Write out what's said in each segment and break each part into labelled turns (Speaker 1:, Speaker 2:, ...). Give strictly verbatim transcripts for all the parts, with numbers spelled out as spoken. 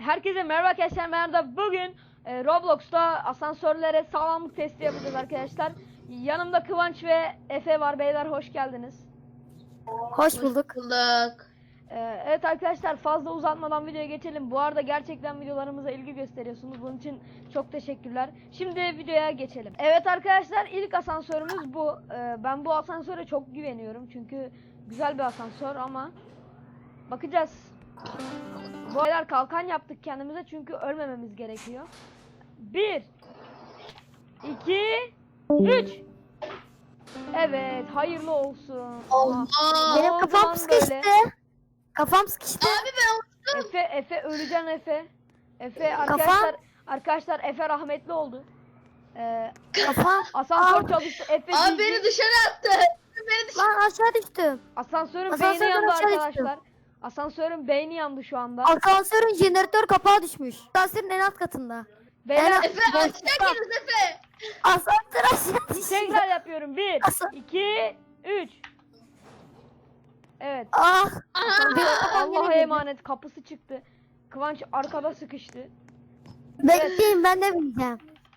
Speaker 1: Herkese merhaba arkadaşlar. Merhaba. Bugün e, Roblox'ta asansörlere sağlamlık testi yapacağız arkadaşlar. Yanımda Kıvanç ve Efe var. Beyler hoş geldiniz.
Speaker 2: Hoş bulduk.
Speaker 3: bulduk.
Speaker 1: E, evet arkadaşlar, fazla uzatmadan videoya geçelim. Bu arada gerçekten videolarımıza ilgi gösteriyorsunuz. Bunun için çok teşekkürler. Şimdi videoya geçelim. Evet arkadaşlar, ilk asansörümüz bu. E, ben bu asansöre çok güveniyorum. Çünkü güzel bir asansör ama bakacağız. Bu arada kalkan yaptık kendimize çünkü ölmememiz gerekiyor. Bir, iki, üç. Evet, hayırlı olsun.
Speaker 3: Allah.
Speaker 1: Aa,
Speaker 2: Benim
Speaker 1: o
Speaker 2: kafam
Speaker 1: zaman
Speaker 2: sıkıştı.
Speaker 1: böyle.
Speaker 2: Kafam sıkıştı.
Speaker 3: Abi ben
Speaker 1: Efe, Efe öleceksin Efe. Efe arkadaşlar, arkadaşlar Efe rahmetli oldu. Ee,
Speaker 2: Kafam.
Speaker 1: asansör
Speaker 2: Aa.
Speaker 1: çalıştı. Efe
Speaker 3: Abi
Speaker 1: cici.
Speaker 3: beni dışarı attı. Beni dışarı.
Speaker 2: Lan aşağı düştüm.
Speaker 1: Asansörün
Speaker 2: Asansörden
Speaker 1: beyni yandı
Speaker 2: aşağı düştüm.
Speaker 1: arkadaşlar. Asansörün beyni yandı şu anda.
Speaker 2: Asansörün jeneratör kapağı düşmüş. Asansörün en alt katında.
Speaker 1: Beyler,
Speaker 2: en-
Speaker 3: Efe aşağı geliyoruz Efe.
Speaker 2: Asansör aşağı düştü.
Speaker 1: tekrar yapıyorum. Bir,
Speaker 2: Asa-
Speaker 1: iki, üç. Evet.
Speaker 2: Ah.
Speaker 3: Aha.
Speaker 2: Benim kafam
Speaker 1: Allah'a
Speaker 2: yine
Speaker 1: emanet, kapısı çıktı. Kıvanç arkada sıkıştı.
Speaker 2: Bekleyin, ben de bineceğim.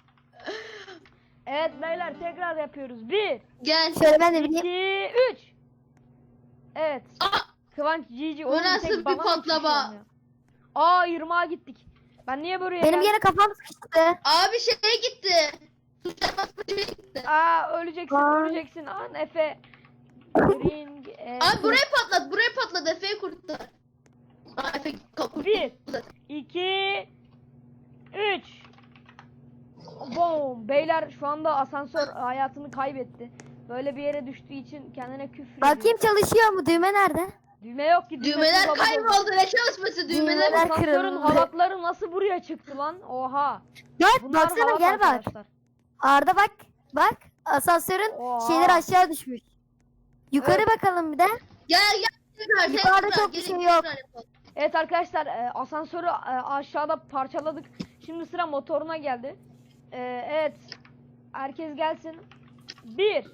Speaker 1: Evet beyler, tekrar yapıyoruz. Bir,
Speaker 3: Gel.
Speaker 2: Şöyle ben de bineyim.
Speaker 1: iki, üç. Evet.
Speaker 3: Aa,
Speaker 1: Kıvanç Cici.
Speaker 3: Bu
Speaker 1: oğlum
Speaker 3: nasıl
Speaker 1: tek
Speaker 3: bir
Speaker 1: bana mı
Speaker 3: patlama?
Speaker 1: çıkıyor ya? Aa, yirmiye gittik. Ben niye buraya
Speaker 2: Benim
Speaker 1: geldim?
Speaker 2: yine kafam sıkıştı.
Speaker 3: abi şey gitti. Tuşa basma şey gitti.
Speaker 1: Aa, öleceksin,
Speaker 2: Aa.
Speaker 1: öleceksin. An Efe. Ring. e,
Speaker 3: Abi burayı patlat. Burayı patlat. Efe'yi kurtar. Aa Efe kapı.
Speaker 1: Bir. iki, üç. Boom. Beyler şu anda asansör hayatını kaybetti. Böyle bir yere düştüğü için kendine küfür ediyor.
Speaker 2: Bakayım çalışıyor mu? Düğme nerede?
Speaker 1: Düğme yok ki. düğmesiz
Speaker 3: Düğmeler
Speaker 1: robot oldu.
Speaker 3: kayboldu. Ne çalışması düğmeler?
Speaker 2: Düğmeler
Speaker 1: Asansörün
Speaker 2: kırıldı.
Speaker 1: halatları nasıl buraya çıktı lan? Oha.
Speaker 2: Gel
Speaker 1: Bunlar
Speaker 2: baksana,
Speaker 1: halat
Speaker 2: gel bak.
Speaker 1: arkadaşlar.
Speaker 2: Arda bak. Bak. Asansörün
Speaker 1: Oha.
Speaker 2: şeyleri aşağı düşmüş. Yukarı
Speaker 1: Evet.
Speaker 2: bakalım bir de.
Speaker 3: Gel gel. Tekrar,
Speaker 2: Yukarıda
Speaker 3: tekrar,
Speaker 2: çok bir
Speaker 3: gelin,
Speaker 2: şey
Speaker 3: tekrar
Speaker 2: yok.
Speaker 3: yapalım.
Speaker 1: Evet arkadaşlar, e, asansörü e, aşağıda parçaladık. Şimdi sıra motoruna geldi. E, evet. Herkes gelsin. Bir.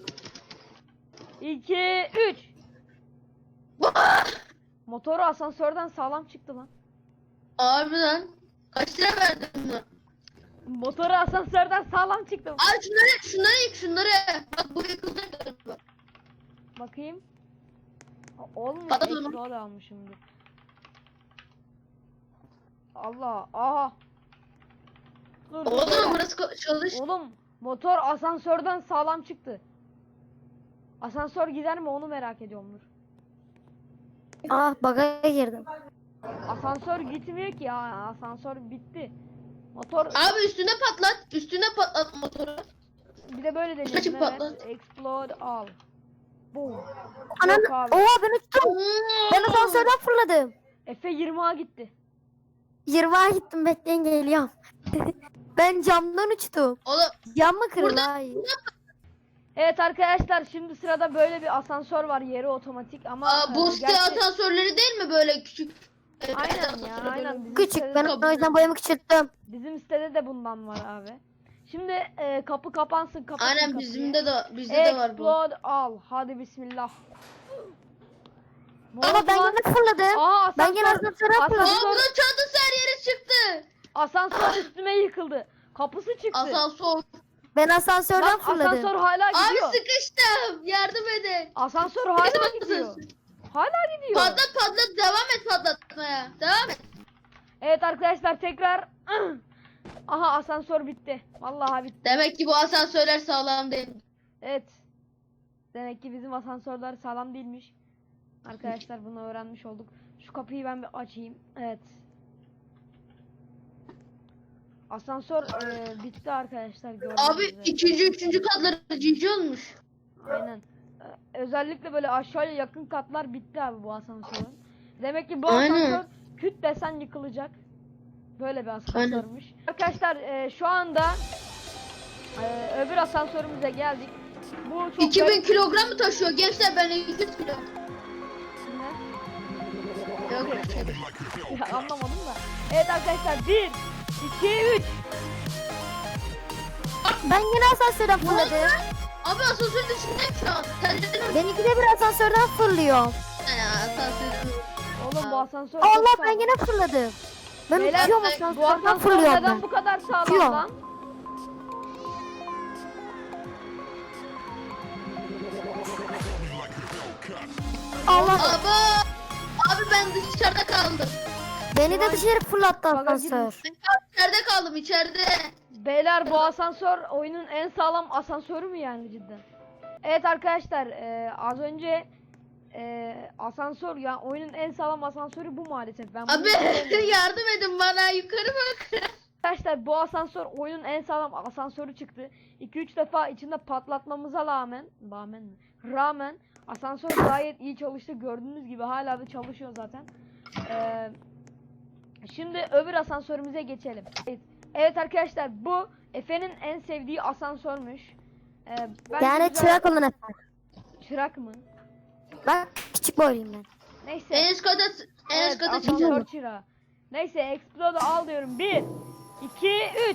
Speaker 1: iki, üç. Motoru asansörden sağlam çıktı lan.
Speaker 3: Abi lan. Kaç lira verdin bunu?
Speaker 1: Motoru asansörden sağlam çıktı.
Speaker 3: Abi şunları, şunları yık şunları. Bak bu yıkıldı.
Speaker 1: Bakayım. Olmuş.
Speaker 3: Patladı mı?
Speaker 1: Explode almışımdır. Allah. Aha. Dur, dur,
Speaker 3: Oğlum
Speaker 1: beyler.
Speaker 3: burası ko- çalış.
Speaker 1: Oğlum motor asansörden sağlam çıktı. Asansör gider mi onu merak ediyorum, dur.
Speaker 2: Ah, baga girdim.
Speaker 1: Asansör gitmiyor ki ya. Asansör bitti. Motor
Speaker 3: Abi üstüne patlat. Üstüne patlat motoru.
Speaker 1: bir de böyle
Speaker 3: Kaçıp
Speaker 1: deneyelim.
Speaker 3: patlat.
Speaker 1: Evet. Explode al. Boom.
Speaker 2: Ananı.
Speaker 1: Yok abi.
Speaker 2: Oha, ben uçtum. Ben asansörden fırladım.
Speaker 1: Efe yirmiye gitti.
Speaker 2: yirmiye gittim, bekleyin geliyorum. Ben camdan uçtum.
Speaker 3: Oğlum
Speaker 2: Cam mı kırıldı?
Speaker 3: Burada-
Speaker 2: Hayır.
Speaker 1: Evet arkadaşlar, şimdi sırada böyle bir asansör var, yeri otomatik ama
Speaker 3: aa, bu
Speaker 1: e,
Speaker 3: site
Speaker 1: gerçi-
Speaker 3: asansörleri değil mi böyle küçük? Evet,
Speaker 1: Aynen ya,
Speaker 3: asansörleri böyle.
Speaker 1: aynen. Bizim
Speaker 2: Küçük,
Speaker 1: sitede
Speaker 2: ben
Speaker 1: de-
Speaker 2: o yüzden boyamı küçülttüm.
Speaker 1: Bizim sitede de bundan var abi. Şimdi e, kapı kapansın, kapatın
Speaker 3: Aynen
Speaker 1: kapıyı.
Speaker 3: bizimde de bizde de var bu.
Speaker 1: Explode al. Hadi bismillah. Ne
Speaker 2: Ama
Speaker 1: oldu
Speaker 2: ben
Speaker 1: lan?
Speaker 2: yine fırladım.
Speaker 1: Aa,
Speaker 2: Ben yine
Speaker 1: asansör,
Speaker 2: asansöre fırladım.
Speaker 1: asansör,
Speaker 3: Aa bunun çantası her yere çıktı.
Speaker 1: asansör üstüme yıkıldı. Kapısı çıktı.
Speaker 3: Asansör.
Speaker 2: Ben asansörden
Speaker 1: Lan
Speaker 2: fırladım.
Speaker 1: asansör hala
Speaker 3: Abi
Speaker 1: gidiyor.
Speaker 3: sıkıştım. Yardım edin.
Speaker 1: Asansör hala gidiyor. Hala gidiyor.
Speaker 3: Patlat patlat devam et patlatmaya. Devam et.
Speaker 1: Evet arkadaşlar, tekrar. Aha, asansör bitti. Vallahi bitti.
Speaker 3: Demek ki bu asansörler sağlam değil.
Speaker 1: Evet. Demek ki bizim asansörler sağlam değilmiş. Arkadaşlar bunu öğrenmiş olduk. Şu kapıyı ben bir açayım. Evet. Asansör e, bitti arkadaşlar. gördüğünüz
Speaker 3: Abi
Speaker 1: üzere.
Speaker 3: ikinci üçüncü katları cici olmuş.
Speaker 1: Aynen. E, özellikle böyle aşağıya yakın katlar bitti abi bu asansörün. Demek ki bu
Speaker 3: Aynen.
Speaker 1: asansör küt desen yıkılacak. Böyle bir asansörmüş. Arkadaşlar e, şu anda e, öbür asansörümüze geldik. Bu çok
Speaker 3: iki bin
Speaker 1: garip-
Speaker 3: kilogram mı taşıyor gençler, ben iki yüz kilo.
Speaker 1: Ne?
Speaker 3: Yok.
Speaker 1: Ya anlamadım da. Evet arkadaşlar, bir, iki, üç.
Speaker 2: Ben yine asansörden fırladım.
Speaker 3: Abi asansör dışındayım şu an. Sen de
Speaker 2: Ben ikide bir asansörden fırlıyorum.
Speaker 3: ya asansör.
Speaker 1: Oğlum bu asansör
Speaker 2: Allah,
Speaker 1: çok
Speaker 2: ben
Speaker 1: sağlam.
Speaker 2: yine fırladım. Ben
Speaker 1: Beyler,
Speaker 2: uçuyorum
Speaker 3: ben-
Speaker 2: asansörden
Speaker 1: Bu asansör
Speaker 2: fırlıyorum
Speaker 1: neden
Speaker 2: ben.
Speaker 1: bu kadar sağlam
Speaker 2: Uçuyor.
Speaker 1: lan?
Speaker 2: Allah
Speaker 3: Abi. Abi ben dışarıda kaldım.
Speaker 2: beni de dışarı fırlattı
Speaker 1: Baga
Speaker 2: asansör.
Speaker 3: İçeride kaldım içeride.
Speaker 1: Beyler bu asansör oyunun en sağlam asansörü mü yani cidden? Evet arkadaşlar e, az önce e, asansör ya oyunun en sağlam asansörü bu maalesef. Ben bunu
Speaker 3: Abi
Speaker 1: söylemiyorum.
Speaker 3: yardım edin bana yukarı bak.
Speaker 1: Arkadaşlar bu asansör oyunun en sağlam asansörü çıktı. iki üç defa içinde patlatmamıza rağmen, rağmen mi? Rağmen asansör gayet iyi çalıştı. Gördüğünüz gibi hala da çalışıyor zaten. Ee, şimdi öbür asansörümüze geçelim. Evet, evet arkadaşlar bu Efe'nin en sevdiği asansörmüş. Ee, bence
Speaker 2: Yani
Speaker 1: güzel-
Speaker 2: çırak olun efendim.
Speaker 1: Çırak mı?
Speaker 2: Bak küçük boyluyum ben.
Speaker 1: Neyse.
Speaker 3: En üst kata en
Speaker 1: Evet,
Speaker 3: üst kata
Speaker 1: asansör
Speaker 3: çıkacağım.
Speaker 1: çırağı. Neyse Explode'u al diyorum. bir, iki, üç.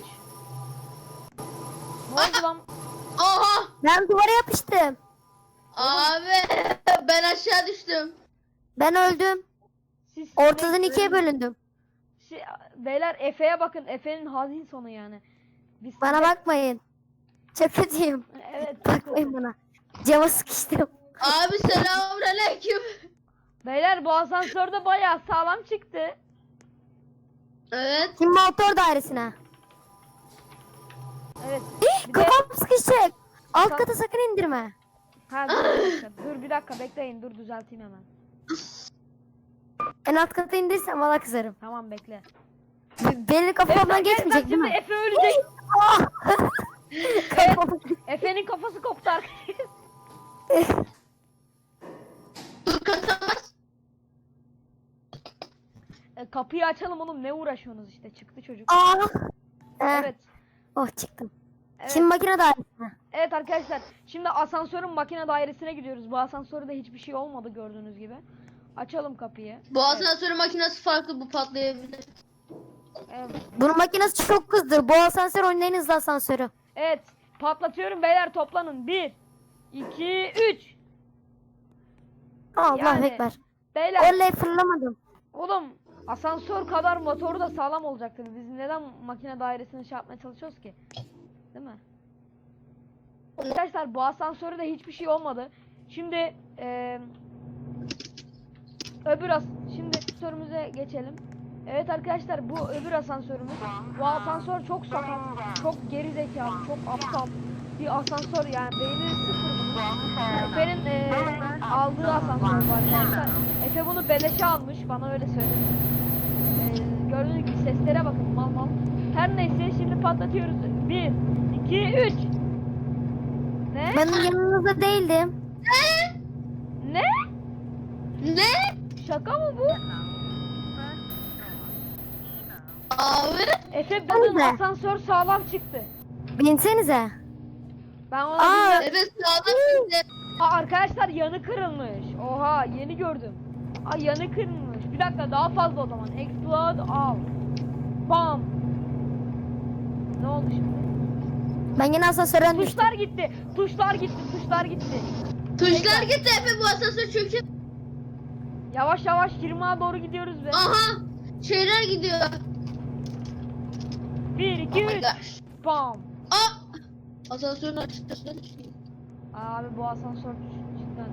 Speaker 1: Ne oldu lan?
Speaker 3: Oha.
Speaker 2: Ben duvara yapıştım.
Speaker 3: Abi ben aşağı düştüm.
Speaker 2: Ben öldüm.
Speaker 1: Siz
Speaker 2: Ortadan
Speaker 1: ne-
Speaker 2: ikiye bölündüm.
Speaker 1: Şey, beyler Efe'ye bakın. Efe'nin hazin sonu yani. Biz
Speaker 2: Bana
Speaker 1: size-
Speaker 2: bakmayın. Çok kötüyüm.
Speaker 1: Evet. çok
Speaker 2: Bakmayın
Speaker 1: kötü.
Speaker 2: bana. Cama sıkıştım.
Speaker 3: Abi selamünaleyküm.
Speaker 1: Beyler bu asansör de bayağı sağlam çıktı.
Speaker 3: Evet.
Speaker 2: Şimdi motor dairesine.
Speaker 1: Evet.
Speaker 2: Eh,
Speaker 1: Bir de-
Speaker 2: kafam sıkışacak. Alt
Speaker 1: Ka-
Speaker 2: kata sakın indirme.
Speaker 1: Ha dur bir dakika. Dur bir dakika bekleyin. Dur düzelteyim hemen.
Speaker 2: En alt kata indirsem valla kızarım.
Speaker 1: Tamam bekle.
Speaker 2: B- Benim kafamdan
Speaker 1: Bak
Speaker 2: geçmeyecek değil
Speaker 1: şimdi
Speaker 2: mi?
Speaker 1: Efe ölecek.
Speaker 2: Ah! Kafam-
Speaker 1: Efe'nin kafası koptu arkadaşlar.
Speaker 3: Dur katamaz.
Speaker 1: E, kapıyı açalım oğlum. Ne uğraşıyorsunuz işte. Çıktı çocuk.
Speaker 2: Ah! Eh,
Speaker 1: Evet.
Speaker 2: Oh çıktım.
Speaker 1: Evet.
Speaker 2: Şimdi makine dairesine.
Speaker 1: Evet arkadaşlar. Şimdi asansörün makine dairesine gidiyoruz. Bu asansörde hiçbir şey olmadı gördüğünüz gibi. Açalım kapıyı.
Speaker 3: Bu asansörün makinesi farklı, bu patlayabilir.
Speaker 1: Evet.
Speaker 2: Bunun makinesi çok hızlıdır. Bu asansör oyunun en hızlı asansörü.
Speaker 1: Evet. Patlatıyorum beyler toplanın. bir, iki, üç.
Speaker 2: Allah
Speaker 1: Yani-
Speaker 2: ekber.
Speaker 1: Beyler
Speaker 2: Oley fırlamadım.
Speaker 1: oğlum asansör kadar motoru da sağlam olacaktır. Biz neden makine dairesini şey yapmaya çalışıyoruz ki? Değil mi? Arkadaşlar bu asansörde hiçbir şey olmadı. Şimdi eee öbür as şimdi asansörümüze geçelim. Evet arkadaşlar bu öbür asansörümüz. Bu asansör çok sakat, çok geri zekalı, çok aptal bir asansör yani beyni sıfır bunun. Efe'nin eee, aldığı asansör var arkadaşlar. Efe bunu beleşe almış bana öyle söyledi. Eee gördüğünüz gibi seslere bakın mal mal. Her neyse şimdi patlatıyoruz. bir, iki, üç. Ne?
Speaker 2: Ben yanınızda değildim.
Speaker 1: Ne?
Speaker 3: Ne?
Speaker 1: Şaka mı bu?
Speaker 3: Abi.
Speaker 1: Efe bunun
Speaker 2: Öyle.
Speaker 1: asansör sağlam çıktı.
Speaker 2: Binsenize.
Speaker 1: Ben ona
Speaker 2: Aa.
Speaker 1: bilmiyorum.
Speaker 3: Evet sağlam şimdi.
Speaker 1: Aa, arkadaşlar yanı kırılmış. Oha yeni gördüm. Ay yanı kırılmış. Bir dakika daha fazla o zaman. Explode al. Bam. Ne oldu şimdi?
Speaker 2: Ben yine asansörden düştüm.
Speaker 1: Tuşlar gitti. Tuşlar gitti. Tuşlar gitti.
Speaker 3: Tuşlar gitti Efe, bu asansör çünkü.
Speaker 1: Yavaş yavaş yirmiye doğru gidiyoruz be.
Speaker 3: Aha. Şeyler gidiyor.
Speaker 1: bir, iki,
Speaker 3: Oh my
Speaker 1: üç.
Speaker 3: gosh.
Speaker 1: Bam.
Speaker 3: Aa. Asansörün açıkçası düşüyor.
Speaker 1: Abi bu asansör cidden.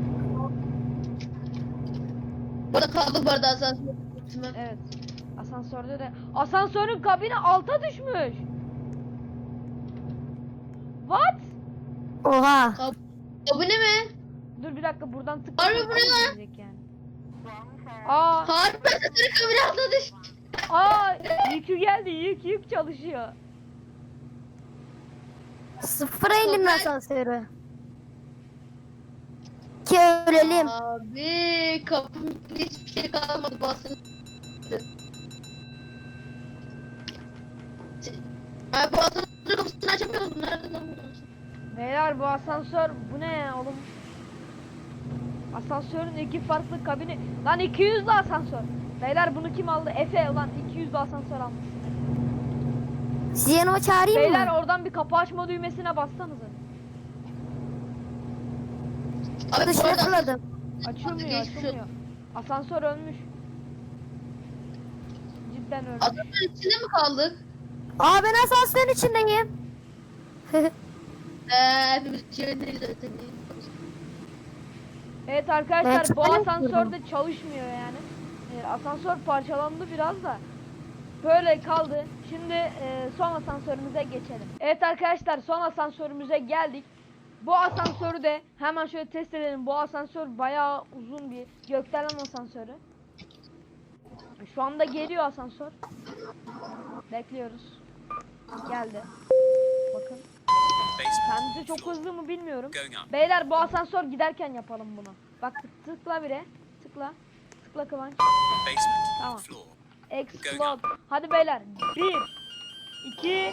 Speaker 3: Burada kaldı bu arada asansör.
Speaker 1: Evet. Asansörde de asansörün kabini alta düşmüş. What?
Speaker 2: Oha.
Speaker 3: Abone mi?
Speaker 1: Dur bir dakika buradan tık.
Speaker 3: Harbi bu ne lan?
Speaker 1: gelecek yani. Aa,
Speaker 3: Harbi asansörün kabine atladı.
Speaker 1: aa yükü geldi. Yük yük çalışıyor.
Speaker 2: Sıfıra indim
Speaker 3: Toprak-
Speaker 2: asansörü. Ki ölelim.
Speaker 3: Abi kapımda hiçbir şey kalmadı, basın. Abi bu asansörün kapısını açamıyoruz. Nerede lan bu?
Speaker 1: Beyler bu asansör bu ne ya oğlum? Asansörün iki farklı kabini. Lan iki yüzlü asansör. Beyler bunu kim aldı? Efe ulan iki yüzlü asansör almış.
Speaker 2: Sizi yanıma çağırayım
Speaker 1: Beyler
Speaker 2: mı?
Speaker 1: oradan bir kapı açma düğmesine bassanıza.
Speaker 3: Abi bu
Speaker 2: Dışarı
Speaker 3: arada
Speaker 2: fırladım.
Speaker 1: Açılmıyor,
Speaker 3: Geçmiş
Speaker 1: açılmıyor. Asansör ölmüş. Cidden öyle.
Speaker 3: Adamın içinde mi kaldık?
Speaker 2: Aa ben asansörün içindeyim.
Speaker 3: Eee hepimiz içerideyiz zaten.
Speaker 1: Evet
Speaker 2: Ben
Speaker 1: arkadaşlar bu
Speaker 2: çıkarım
Speaker 1: asansör de çalışmıyor yani. Ee, asansör parçalandı biraz da. Böyle kaldı. Şimdi e, son asansörümüze geçelim. Evet arkadaşlar son asansörümüze geldik. Bu asansörü de hemen şöyle test edelim. Bu asansör bayağı uzun bir gökdelen asansörü. Şu anda geliyor asansör. Bekliyoruz. Geldi. Bakın. Kendisi çok hızlı mı bilmiyorum. Beyler bu asansör giderken yapalım bunu. Bak tıkla bire. Tıkla. Tıkla Kıvanç. Tamam. Explode. Hadi beyler. Bir. iki.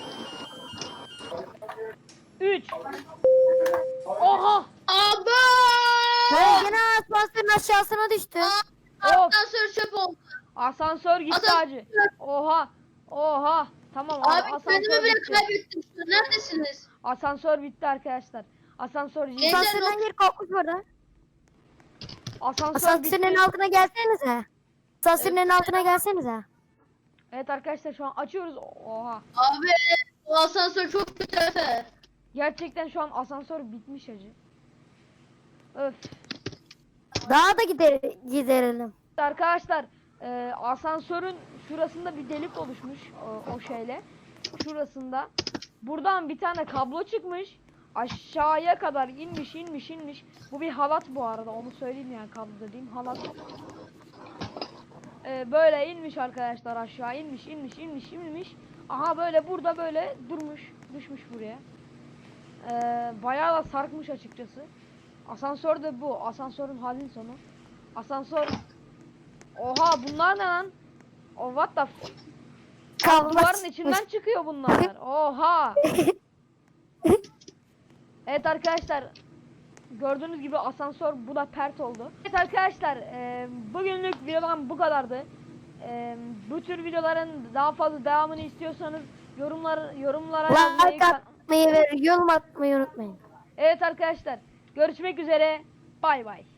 Speaker 1: Üç. Oha.
Speaker 3: Abi!
Speaker 2: Ben gene asansörün aşağısına düştüm.
Speaker 1: Of.
Speaker 3: Asansör çöp oldu.
Speaker 1: Asansör gitti
Speaker 3: Asansör-
Speaker 1: hacı. Oha. Oha. Tamam
Speaker 3: Abi
Speaker 1: asansör
Speaker 3: kendimi bile
Speaker 1: bitti.
Speaker 3: kaybettim. Neredesiniz?
Speaker 1: Asansör bitti arkadaşlar. Asansör
Speaker 3: Gel-
Speaker 1: gitti.
Speaker 2: Asansörden geri kalkmış orada.
Speaker 1: Asansör
Speaker 2: Asansörün en
Speaker 1: bitti.
Speaker 2: altına gelsenize. Asansörün en altına gelsenize.
Speaker 1: Evet arkadaşlar şu an açıyoruz. Oha.
Speaker 3: Abi bu asansör çok kötü Efe.
Speaker 1: Gerçekten şu an asansör bitmiş hacı. Öf.
Speaker 2: Daha da gider giderelim.
Speaker 1: Arkadaşlar e, asansörün şurasında bir delik oluşmuş o, o şeyle. Şurasında. Buradan bir tane kablo çıkmış. Aşağıya kadar inmiş inmiş inmiş. Bu bir halat bu arada onu söyleyeyim yani kablo dediğim halat. E, böyle inmiş arkadaşlar aşağı inmiş inmiş inmiş inmiş. Aha böyle burada böyle durmuş. Düşmüş buraya. E, bayağı da sarkmış açıkçası. Asansör de bu. Asansörün halin sonu. Asansör. Oha bunlar ne lan? Oh what the f-
Speaker 2: Kablo
Speaker 1: Duvarın
Speaker 2: çıkmış.
Speaker 1: içinden çıkıyor bunlar. Oha. Evet arkadaşlar. Gördüğünüz gibi asansör bu da pert oldu. Evet arkadaşlar e, bugünlük videodan bu kadardı. E, bu tür videoların daha fazla devamını istiyorsanız yorumlar yorumlara yazmayı
Speaker 2: Like atmayı ve yorum atmayı unutmayın.
Speaker 1: Evet arkadaşlar görüşmek üzere. Bay bay.